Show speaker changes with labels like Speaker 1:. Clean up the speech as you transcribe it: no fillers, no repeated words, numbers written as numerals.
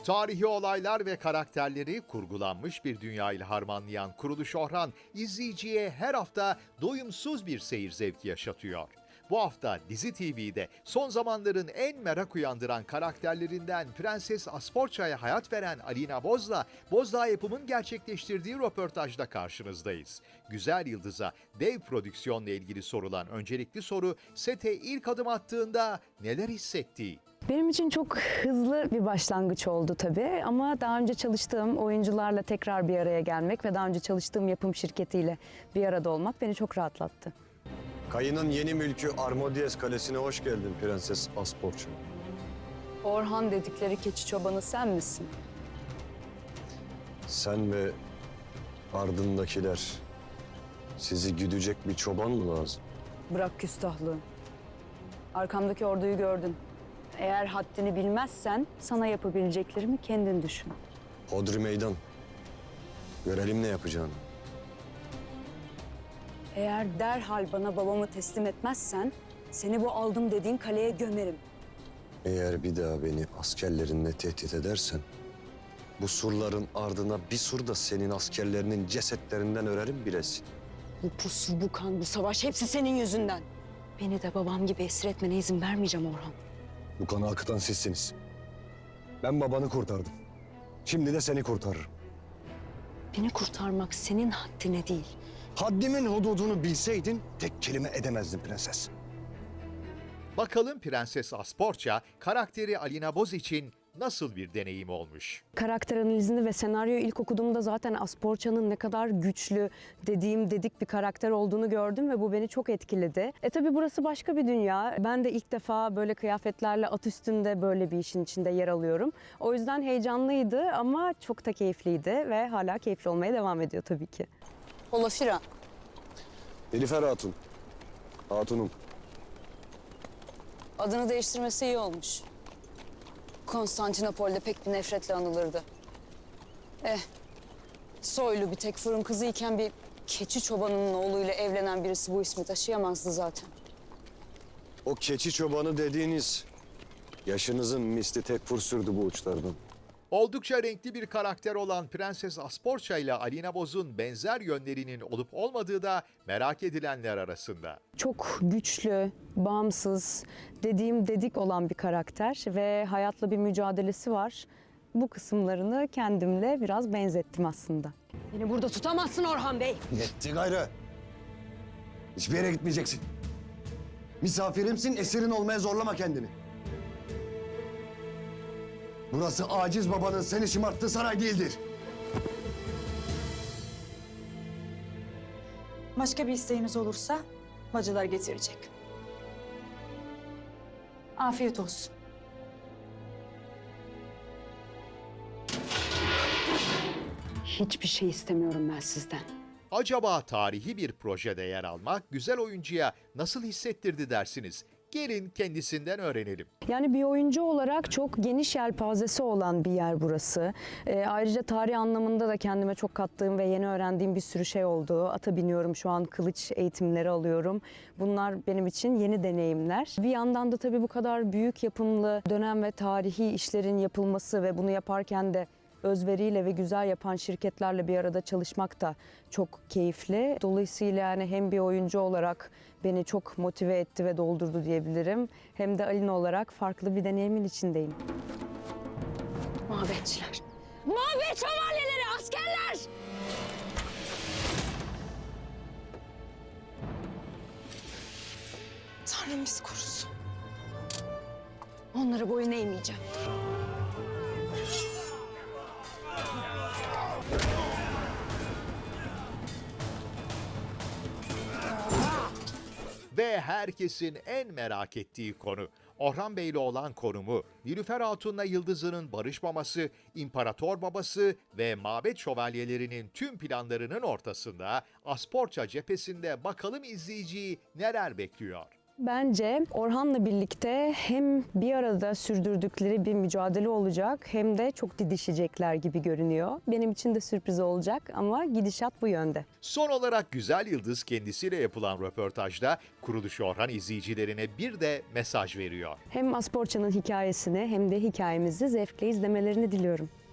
Speaker 1: Tarihi olaylar ve karakterleri kurgulanmış bir dünyayla harmanlayan Kuruluş Orhan, izleyiciye her hafta doyumsuz bir seyir zevki yaşatıyor. Bu hafta Dizi TV'de son zamanların en merak uyandıran karakterlerinden Prenses Asporça'ya hayat veren Alina Boz'la Bozdağ Yapım'ın gerçekleştirdiği röportajda karşınızdayız. Güzel Yıldız'a dev prodüksiyonla ilgili sorulan öncelikli soru, sete ilk adım attığında neler hissettiği.
Speaker 2: Benim için çok hızlı bir başlangıç oldu tabii ama daha önce çalıştığım oyuncularla tekrar bir araya gelmek ve daha önce çalıştığım yapım şirketiyle bir arada olmak beni çok rahatlattı.
Speaker 3: Kayının yeni mülkü Armodies Kalesi'ne hoş geldin Prenses Asporça.
Speaker 2: Orhan dedikleri keçi çobanı sen misin?
Speaker 3: Sen ve ardındakiler sizi güdecek bir çoban mı lazım?
Speaker 2: Bırak küstahlığı. Arkamdaki orduyu gördün. Eğer haddini bilmezsen sana yapabileceklerimi kendin düşün.
Speaker 3: Hodri meydan. Görelim ne yapacağını.
Speaker 2: Eğer derhal bana babamı teslim etmezsen seni bu aldım dediğin kaleye gömerim.
Speaker 3: Eğer bir daha beni askerlerinle tehdit edersen, bu surların ardına bir sur da senin askerlerinin cesetlerinden örerim bilesin.
Speaker 2: Bu pusur, bu kan, bu savaş hepsi senin yüzünden. Beni de babam gibi esir etmene izin vermeyeceğim Orhan.
Speaker 3: Bu kanı akıtan sizsiniz. Ben babanı kurtardım. Şimdi de seni kurtarırım.
Speaker 2: Beni kurtarmak senin haddine değil.
Speaker 3: Haddimin hududunu bilseydin tek kelime edemezdin prenses.
Speaker 1: Bakalım Prenses Asporça karakteri Alina Boz için nasıl bir deneyim olmuş?
Speaker 2: Karakter analizini ve senaryoyu ilk okuduğumda zaten Asporça'nın ne kadar güçlü, dedik bir karakter olduğunu gördüm ve bu beni çok etkiledi. Tabii burası başka bir dünya. Ben de ilk defa böyle kıyafetlerle at üstünde böyle bir işin içinde yer alıyorum. O yüzden heyecanlıydı ama çok da keyifliydi ve hala keyifli olmaya devam ediyor tabii ki. Olafira.
Speaker 3: Nilüfer Hatun. Hatunum.
Speaker 2: Adını değiştirmesi iyi olmuş. Konstantinopol'de pek bir nefretle anılırdı. Soylu bir tek fırın kızıyken bir keçi çobanının oğluyla evlenen birisi bu ismi taşıyamazdı zaten.
Speaker 3: O keçi çobanı dediğiniz yaşınızın misli tekfur sürdü bu uçlardan.
Speaker 1: Oldukça renkli bir karakter olan Prenses Asporça ile Alina Boz'un benzer yönlerinin olup olmadığı da merak edilenler arasında.
Speaker 2: Çok güçlü, bağımsız, dedik olan bir karakter ve hayatla bir mücadelesi var. Bu kısımlarını kendimle biraz benzettim aslında. Beni burada tutamazsın Orhan Bey.
Speaker 3: Yetti gayrı. Hiçbir yere gitmeyeceksin. Misafirimsin, esirin olmaya zorlama kendini. Burası aciz babanın seni şımarttığı saray değildir.
Speaker 4: Başka bir isteğiniz olursa bacılar getirecek. Afiyet olsun.
Speaker 2: Hiçbir şey istemiyorum ben sizden.
Speaker 1: Acaba tarihi bir projede yer almak güzel oyuncuya nasıl hissettirdi dersiniz? Gelin kendisinden öğrenelim.
Speaker 2: Yani bir oyuncu olarak çok geniş yelpazesi olan bir yer burası. Ayrıca tarih anlamında da kendime çok kattığım ve yeni öğrendiğim bir sürü şey oldu. Ata biniyorum şu an, kılıç eğitimleri alıyorum. Bunlar benim için yeni deneyimler. Bir yandan da tabii bu kadar büyük yapımlı dönem ve tarihi işlerin yapılması ve bunu yaparken de özveriyle ve güzel yapan şirketlerle bir arada çalışmak da çok keyifli. Dolayısıyla yani hem bir oyuncu olarak beni çok motive etti ve doldurdu diyebilirim. Hem de Alina olarak farklı bir deneyimin içindeyim. Mabetçiler. Mabet şövalyeleri, askerler!
Speaker 4: Tanrım bizi korusun.
Speaker 2: Onlara boyun eğmeyeceğim.
Speaker 1: Ve herkesin en merak ettiği konu. Orhan Bey'le olan konumu, Nilüfer Hatun'la Yıldız'ının barışmaması, İmparator babası ve mabet şövalyelerinin tüm planlarının ortasında Asporça cephesinde bakalım izleyiciyi neler bekliyor?
Speaker 2: Bence Orhan'la birlikte hem bir arada sürdürdükleri bir mücadele olacak hem de çok didişecekler gibi görünüyor. Benim için de sürpriz olacak ama gidişat bu yönde.
Speaker 1: Son olarak Güzel Yıldız kendisiyle yapılan röportajda Kuruluş Orhan izleyicilerine bir de mesaj veriyor.
Speaker 2: Hem Asporça'nın hikayesini hem de hikayemizi zevkle izlemelerini diliyorum.